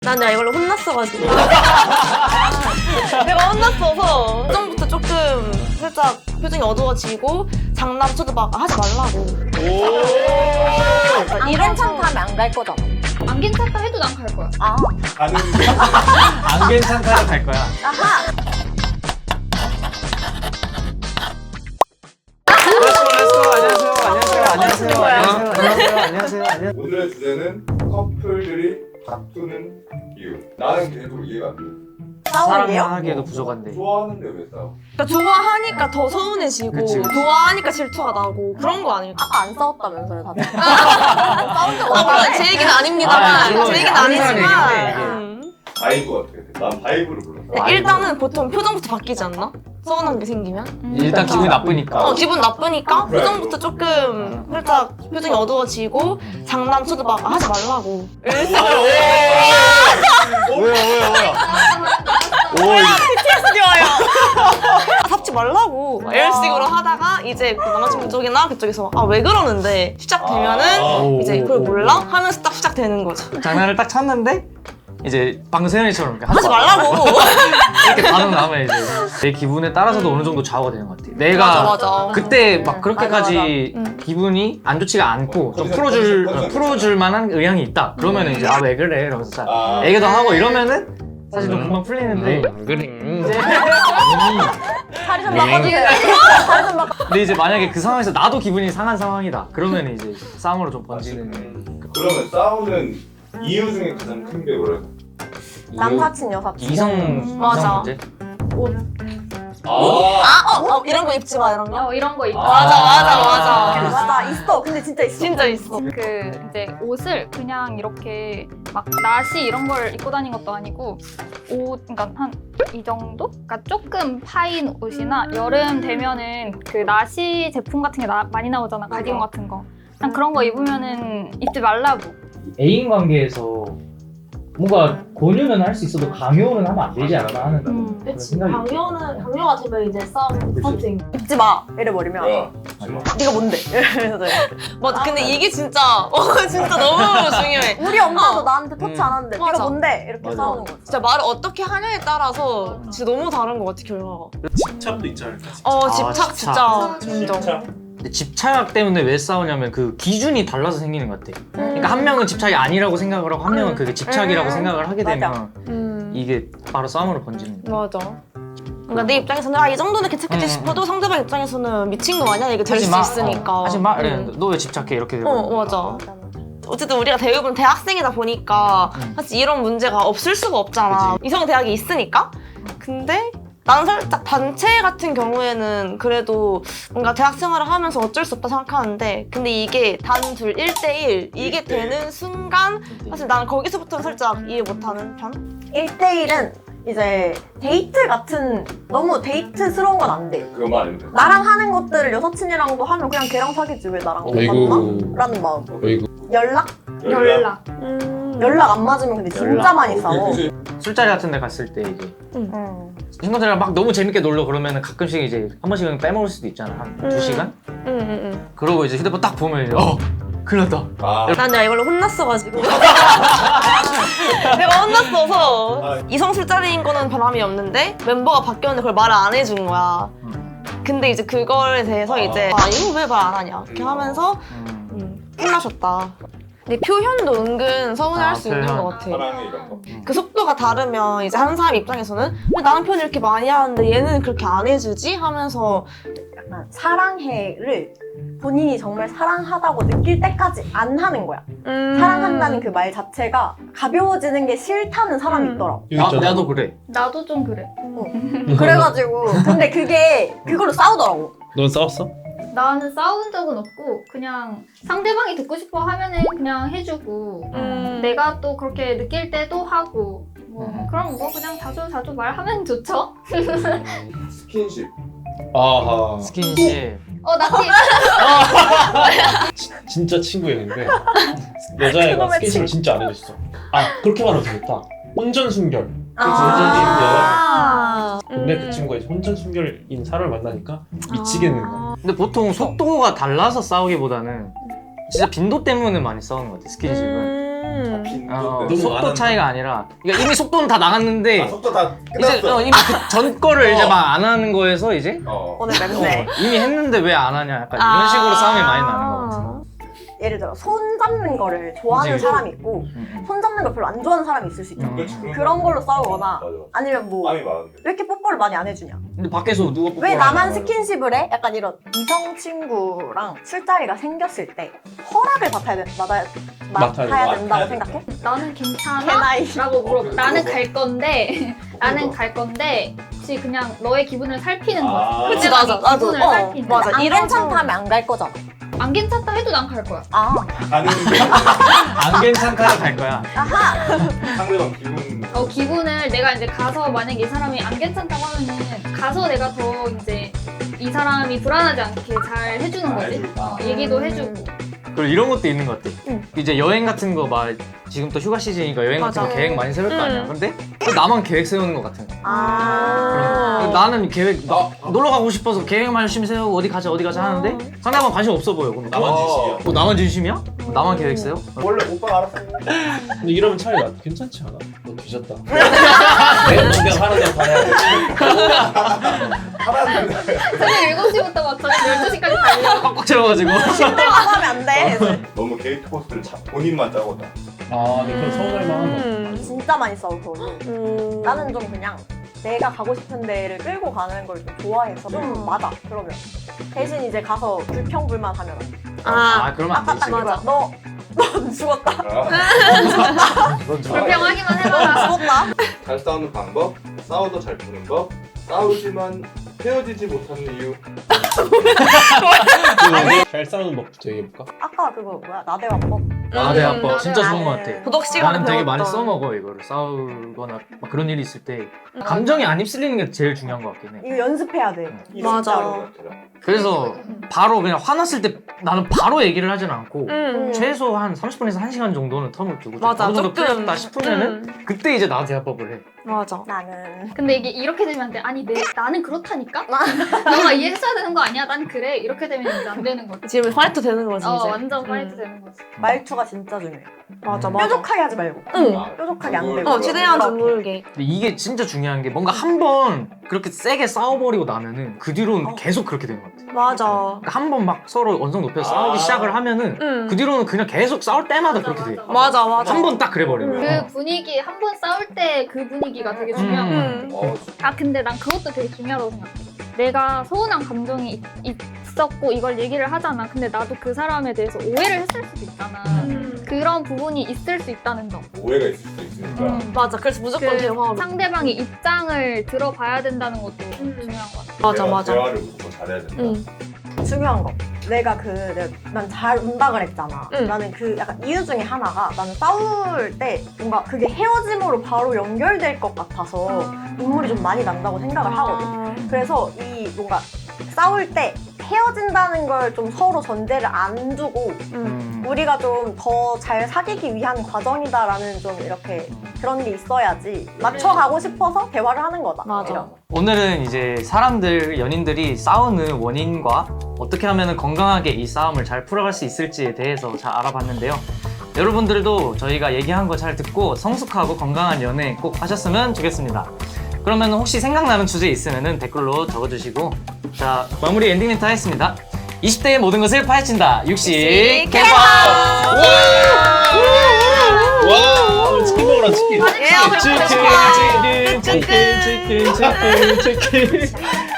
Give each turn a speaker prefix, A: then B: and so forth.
A: 난 내가 이걸로 혼났어가지고 내가 혼났어서 표정부터 조금 살짝 표정이 어두워지고 장난쳐도 막 하지 말라고.
B: 안 괜찮다 하면 안 갈 거잖아.
C: 안 괜찮다 해도 난 갈 거야.
B: 아.
D: 가는데
E: 안 괜찮다고 갈 거야.
B: 아하.
E: 안녕하세요.
D: 오늘의 주제는 커플들이 다투는 이유. 나는 계속 이해가 안 돼.
B: 싸우는데요?
E: 사랑하기에도 부족한데.
D: 좋아하는데 왜 싸워?
A: 그러니까 좋아하니까 더 서운해지고
E: 그치.
A: 좋아하니까 질투가 나고 그런 거 아닐까?
B: 아까 안 싸웠다면서요, 다들? 싸운 적
A: 물론
B: 없다네?
A: 제 얘기는 아닙니다만
E: 그거
A: 제 얘기는
E: 다른 사람
A: 아니지만
E: 얘기인데,
D: 바이브 어떻게 돼? 난 바이브를 불렀어.
A: 일단은 보통 표정부터 바뀌지 않나? 서운한 게 생기면?
E: 일단 기분이 나쁘니까.
A: 기분 나쁘니까 표정부터 조금 살짝 표정이 어두워지고 장난쳐도 막 하지 말라고.
E: 뭐야.
A: PTSD 와요. 잡지 말라고 이런 식으로 하다가 이제 그 남자친구 쪽이나 그쪽에서 아 왜 그러는데 시작되면은 이제 그걸 몰라? 하면서 딱 시작되는 거죠.
E: 장난을 딱 쳤는데 이제 방금 세연이처럼 이렇게
A: 하지 말라고.
E: 이렇게 반응 나오면 이제 내 기분에 따라서도 어느 정도 좌우가 되는 것 같아. 내가
A: 맞아.
E: 그때 막 그렇게까지
A: 맞아.
E: 기분이 안 좋지가 않고 좀 풀어줄 만한 의향이 있다. 그러면 이제 아 왜 그래 이러면서 자 얘기도 하고 이러면은 사실 좀 금방 풀리는데 이제
B: 자리 좀 바꿔주세요. 자리 좀 바꿔.
E: 근데 이제 만약에 그 상황에서 나도 기분이 상한 상황이다. 그러면 이제 싸움으로 좀 번지는.
D: 그러면 싸우는 이유 중에 가장 큰 게 뭐래?
B: 남사친, 여사친.
E: 이성
A: 맞아.
E: 문제?
A: 이런 거 입지 마 이런 거.
C: 이런 거 있다.
B: 맞아, 있어. 근데 진짜 있어.
A: 진짜 있어.
C: 그 이제 옷을 그냥 이렇게 막 나시 이런 걸 입고 다닌 것도 아니고 옷 그러니까 한 이 정도? 그러니까 조금 파인 옷이나 여름 되면은 그 나시 제품 같은 게 많이 나오잖아. 가디건 같은 거. 그냥 그런 거 입으면은 입지 말라고.
F: 애인 관계에서 뭔가 권유는 할 수 있어도 강요는 하면 안 되지 않나 하는 그런 생각이
A: 강요가 되면 이제 싸움 스타팅.
B: 입지 마. 이래버리면.
D: 야,
B: 네가 뭔데? 이러면서.
A: 맞아. 근데 이게 진짜 진짜 너무 중요해.
B: 우리 엄마도 나한테 터치 안 하는데
A: 맞아.
B: 네가 뭔데? 이렇게
E: 맞아.
B: 싸우는 거지.
A: 진짜 말을 어떻게 하냐에 따라서 진짜 너무 다른 것 같아 결과가.
D: 집착도 있지 않을까?
A: 집착 진짜 인정.
E: 근데 집착 때문에 왜 싸우냐면 그 기준이 달라서 생기는 것 같아. 그러니까 한 명은 집착이 아니라고 생각을 하고 한 명은 그게 집착이라고 생각을 하게 되면 이게 바로 싸움으로 번지는 거야.
A: 맞아. 그러니까 내 입장에서는 이 정도는 괜찮겠지 싶어도 상대방 입장에서는 미친 거 아니야 이게 될 수 있으니까.
E: 하지 마. 너 왜 집착해 이렇게 되고.
A: 맞아. 어쨌든 우리가 대부분 대학생이다 보니까 사실 이런 문제가 없을 수가 없잖아. 이성 대학이 있으니까. 근데 나는 살짝 단체 같은 경우에는 그래도 뭔가 대학 생활을 하면서 어쩔 수 없다 생각하는데 근데 이게 단둘 1대1 이게 되는 순간 사실 나는 거기서부터 살짝 이해 못하는 편?
B: 1대1은 이제 데이트 같은 너무 데이트스러운 건 안 돼.
D: 그거 말인데.
B: 나랑 하는 것들을 여사친이랑도 하면 그냥 걔랑 사귀지 왜 나랑 못 만나? 라는 마음. 연락? 연락 안 맞으면 근데 진짜 많이 싸워.
E: 술자리 같은 데 갔을 때 이제 친구들이랑 막 너무 재밌게 놀러 그러면 가끔씩 이제 한 번씩은 빼먹을 수도 있잖아. 한 2시간? 그러고 이제 휴대폰 딱 보면 이제 큰일 났다.
A: 난 내가 이걸로 혼났어가지고 내가 혼났어서 이성 술자리인 거는 변함이 없는데 멤버가 바뀌었는데 그걸 말을 안 해준 거야. 근데 이제 그거에 대해서 이제 이거 왜 말 안 하냐 이렇게 하면서 혼나셨다. 근데 표현도 은근 서운해할 수 있는 것 같아.
D: 사랑해 이런 거.
A: 그 속도가 다르면 이제 한 사람 입장에서는 왜 나는 표현 이렇게 많이 하는데 얘는 그렇게 안 해주지? 하면서
B: 약간 사랑해를 본인이 정말 사랑하다고 느낄 때까지 안 하는 거야. 사랑한다는 그 말 자체가 가벼워지는 게 싫다는 사람이 있더라고.
E: 나도 그래.
C: 나도 좀 그래.
B: 그래가지고 근데 그게 그걸로 싸우더라고.
G: 넌 싸웠어?
C: 나는 싸운 적은 없고 그냥 상대방이 듣고 싶어 하면은 그냥 해주고 내가 또 그렇게 느낄 때도 하고 그럼 그냥 자주 말하면 좋죠?
D: 스킨십.
G: 아하.
E: 스킨십.
C: 나티
G: 진짜 친구였는데 여자애가 스킨십을 진짜 안 해줬어. 그렇게 말하면 되겠다. 혼전순결. 근데 그 친구가 이제 혼전순결인 사람을 만나니까 미치겠는 거야.
E: 근데 보통 속도가 달라서 싸우기보다는 진짜 빈도 때문에 많이 싸우는 것 같아. 스킨십은.
D: 잡힌
E: 어,
D: 듯.
E: 속도 차이가 아니라 그러니까 이미 속도는 다 나갔는데
D: 속도 다
E: 이제
D: 끝났어.
E: 이미 그 전 거를 이제 막 안 하는 거에서 이제
A: 오늘 맵네.
E: 이미 했는데 왜 안 하냐 약간 이런 식으로 싸움이 많이 나는 거 같아.
B: 예를 들어 손 잡는 거를 좋아하는
E: 그치.
B: 사람이 있고 손 잡는 걸 별로 안 좋아하는 사람이 있을 수 있잖아.
D: 그치,
B: 그런 걸로 싸우거나
D: 맞아.
B: 아니면 뭐 왜
D: 땀이 많은데.
B: 이렇게 뽀뽀를 많이 안 해주냐?
E: 근데 밖에서 누가
B: 왜
E: 뽀뽀를
B: 나만
E: 하냐.
B: 스킨십을 해? 약간 이런 이성 친구랑 술자리가 생겼을 때 허락을 맡아야 된다고 생각해?
C: 나는 괜찮아?
B: 개나이.
C: 라고 물어봐.
D: 그래,
C: 나는
D: 물어봐.
C: 갈 건데 나는 갈 건데 혹시 그냥 너의 기분을 살피는 거야.
D: 아.
A: 그치,
C: 상대방의
A: 맞아. 나도.
C: 기분을 살피는 거야.
A: 맞아.
B: 안
A: 이런
B: 괜찮다면 안 갈 거잖아.
C: 안 괜찮다 해도 난 갈 거야.
B: 아,
D: 가는
E: 안 괜찮다고 갈 거야.
D: 상대방 기분.
C: 기분을 내가 이제 가서 만약에 이 사람이 안 괜찮다고 하면은 가서 내가 더 이제 이 사람이 불안하지 않게 잘 해주는 거지.
D: 해줄까?
C: 얘기도 해주고.
E: 그리고 이런 것도 있는 것 같아. 이제 여행 같은 거 막 지금 또 휴가 시즌이니까 여행 같은 거
A: 맞아.
E: 계획 많이 세울 거 아니야. 근데 나만 계획 세우는 것 같은 거.
B: 아.
E: 나는 계획 놀러 가고 싶어서 계획만 열심히 세우고 어디 가자 하는데 상대방 관심 없어 보여. 그럼
G: 나만 진심이야.
E: 나만 진심이야? 나만 계획 세워?
D: 원래 오빠가 알았어.
G: 근데 이러면 차라리 나 괜찮지 않아? 너 뒤졌다. 내가 너 그냥 하는 대로 가야 돼.
D: 하라는데.
C: 새벽 7시부터 막 저녁 12시까지 달려.
E: 꽉꽉 채워가지고.
B: 하면 안 돼.
D: 너무 게이트 코스를 본인만 짜거든.
G: 아, 근데 그럼 서운할 만한 거.
B: 진짜 많이 싸워 그거는. 나는 좀 그냥 내가 가고 싶은 데를 끌고 가는 걸 좀 좋아해서 좀 맞아. 그러면 대신 이제 가서 불평불만하면 안 돼.
E: 그러면 안
B: 아까 딱
E: 되지.
B: 이거야. 너 죽었다.
C: 불평하기만 해봐라.
B: 죽었다.
D: 잘 싸우는 방법, 싸워도 잘 푸는 법, 싸우지만 헤어지지 못하는 이유.
G: 잘 싸우는 법부터 얘기해볼까?
B: 아까 그거 뭐야 나대화법.
E: 네, 아빠 진짜 좋은 것 같아.
A: 도덕 시간에
E: 나는 되게 많이
A: 배웠던.
E: 써먹어 이거를 싸우거나 막 그런 일이 있을 때 감정이 안 휩쓸리는 게 제일 중요한 것 같긴 해.
B: 이거 연습해야 돼.
A: 맞아.
E: 그래서 바로 그냥 화났을 때 나는 바로 얘기를 하진 않고 최소 한 30분에서 1시간 정도는 텀을 두고 좀
A: 맞아.
E: 어느 정도
A: 조금.
E: 풀렸다 싶으면은 그때 이제 나한테 대화법을 해.
A: 맞아.
B: 나는
C: 근데 이게 이렇게 되면 안 돼. 아니 나는 그렇다니까? 너가 이해했어야 되는 거 아니야? 난 그래. 이렇게 되면 이제 안 되는 거지.
A: 지금 파이트 되는 거지 이제.
C: 완전 파이트 되는 거지.
B: 말투가 진짜 중요해.
A: 맞아 맞아.
B: 뾰족하게 하지 말고.
A: 응.
B: 뾰족하게 안 되고.
A: 최대한 좀
B: 그렇게.
A: 놀게.
E: 근데 이게 진짜 중요한 게 뭔가 한 번 그렇게 세게 싸워버리고 나면은 그 뒤로는 계속 그렇게 되는 것 같아.
A: 맞아.
E: 그러니까 한 번 막 서로 언성 높여서 싸우기 시작을 하면은 그 뒤로는 그냥 계속 싸울 때마다 그렇게 돼.
A: 맞아 맞아.
E: 한 번 딱 그래버리면.
C: 그 분위기 한 번 싸울 때 그 분위기가 되게 중요한 것 같아. 근데 난 그것도 되게 중요하다고 생각해. 내가 서운한 감정이 있었고 이걸 얘기를 하잖아. 근데 나도 그 사람에 대해서 오해를 했을 수도 있잖아. 그런 부분이 있을 수 있다는 점.
D: 오해가 있을 수도 있으니까.
A: 맞아. 그래서 무조건 대화로.
C: 상대방의 입장을 들어봐야 된다는 것도 중요한 것 같아.
A: 맞아 맞아.
D: 대화를 무조건 잘해야 된다.
B: 중요한 거. 난 잘 운다 그랬잖아.
A: 응.
B: 나는 그 약간 이유 중에 하나가 나는 싸울 때 뭔가 그게 헤어짐으로 바로 연결될 것 같아서 눈물이 좀 많이 난다고 생각을 하거든. 그래서 이 뭔가 싸울 때 헤어진다는 걸 좀 서로 전제를 안 두고 우리가 좀 더 잘 사귀기 위한 과정이다라는 좀 이렇게 그런 게 있어야지 맞춰가고 싶어서 대화를 하는 거다.
A: 맞아.
B: 이런 거.
E: 오늘은 이제 사람들, 연인들이 싸우는 원인과 어떻게 하면 건강하게 이 싸움을 잘 풀어갈 수 있을지에 대해서 잘 알아봤는데요. 여러분들도 저희가 얘기한 거 잘 듣고 성숙하고 건강한 연애 꼭 하셨으면 좋겠습니다. 그러면 혹시 생각나는 주제 있으면 댓글로 적어주시고 자 마무리 엔딩 멘트 하겠습니다. 20대의 모든 것을 파헤친다. 육식 개방!
G: 와, 치킨 먹으라 치킨.
A: 예,
E: 치킨 치킨 치킨 치킨 치킨 치킨